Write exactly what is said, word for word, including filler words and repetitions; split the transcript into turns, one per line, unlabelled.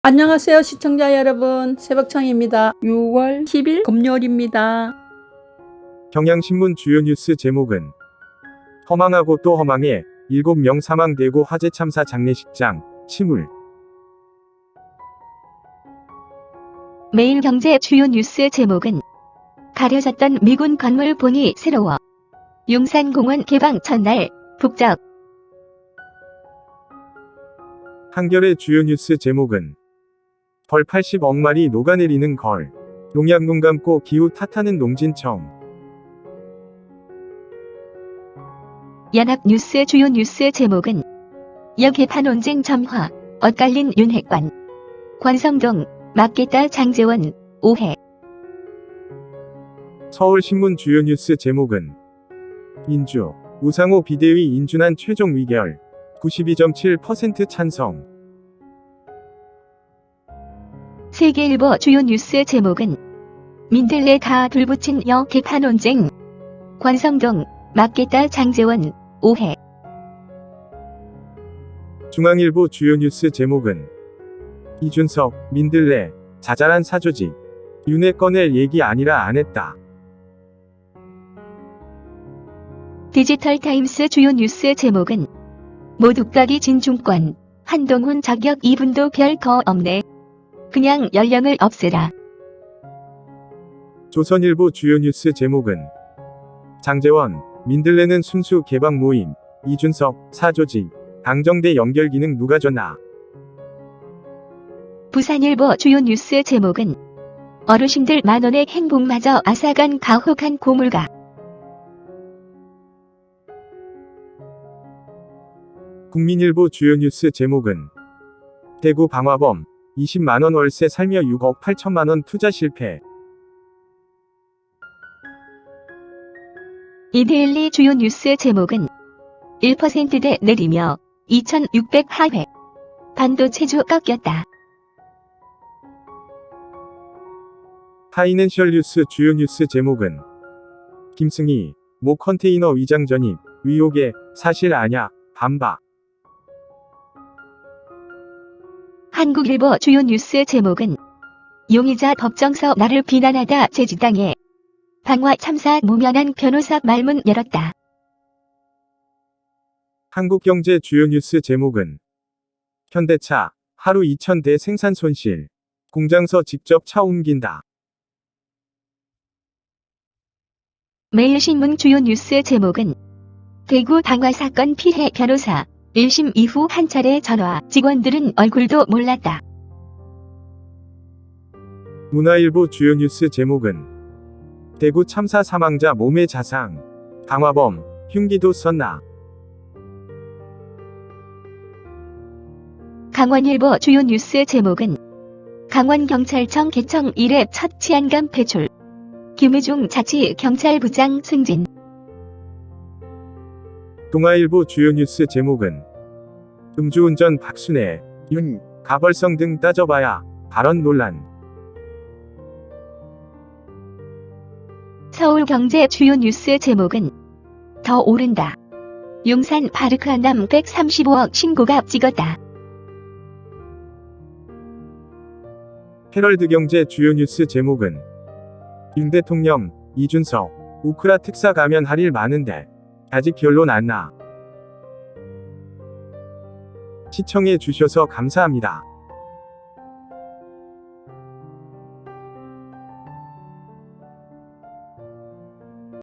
안녕하세요 시청자 여러분, 새벽창입니다. 유월 십일 금요일입니다.
경향신문 주요 뉴스 제목은 허망하고 또 허망해 일곱 명 사망되고 화재 참사 장례식장 침울.
매일경제 주요 뉴스 제목은 가려졌던 미군 건물 보니 새로워. 용산공원 개방 첫날 북적.
한겨레 주요 뉴스 제목은 벌 팔십억 마리 녹아내리는 걸. 농약 눈 감고 기후 탓하는 농진청.
연합뉴스 주요 뉴스 제목은 여개판 논쟁 점화, 엇갈린 윤핵관. 권성동, 맞겠다 장제원, 오해.
서울신문 주요 뉴스 제목은 인주, 우상호 비대위 인준안 최종 의결. 구십이 점 칠 퍼센트 찬성.
세계일보 주요 뉴스 제목은 민들레 다 불붙인 여개판 논쟁. 권성동, 맞겠다 장제원, 오해.
중앙일보 주요 뉴스 제목은 이준석, 민들레, 자잘한 사조직. 윤회 꺼낼 얘기 아니라 안 했다.
디지털타임스 주요 뉴스 제목은 모독각이 진중권, 한동훈 자격 이 분도 별 거 없네. 그냥 연령을 없애라.
조선일보 주요 뉴스 제목은 장제원, 민들레는 순수 개방 모임. 이준석, 사조직. 당정대 연결 기능 누가 줬나.
부산일보 주요 뉴스 제목은 어르신들 만원의 행복마저 앗아간 가혹한 고물가.
국민일보 주요 뉴스 제목은 대구 방화범, 이십만원 월세 살며 육억 팔천만원 투자 실패.
이데일리 주요 뉴스 제목은 일 퍼센트대 내리며 이천육백 하회. 반도체주 꺾였다.
파이낸셜 뉴스 주요 뉴스 제목은 김승희, 모 컨테이너 위장 전입, 의혹에 사실 아냐, 반박.
한국일보 주요 뉴스 제목은 용의자 법정서 나를 비난하다 제지당해. 방화 참사 무면한 변호사 말문 열었다.
한국경제 주요 뉴스 제목은 현대차, 하루 이천 대 생산 손실. 공장서 직접 차 옮긴다.
매일신문 주요 뉴스 제목은 대구 방화 사건 피해 변호사, 일 심 이후 한 차례 전화, 직원들은 얼굴도 몰랐다.
문화일보 주요 뉴스 제목은 대구 참사 사망자 몸의 자상. 방화범, 흉기도 썼나.
강원일보 주요 뉴스 제목은 강원경찰청 개청 이래 첫 치안감 배출. 김의중 자치경찰부장 승진.
동아일보 주요 뉴스 제목은 음주운전 박순애, 윤, 가벌성 등 따져봐야 발언 논란.
서울경제 주요 뉴스 제목은 더 오른다. 용산 파르크 한남 백삼십오억 신고가 찍었다.
헤럴드경제 주요 뉴스 제목은 윤 대통령, 이준석, 우크라 특사 가면 할 일 많은데 아직 결론 안 나. 시청해 주셔서 감사합니다.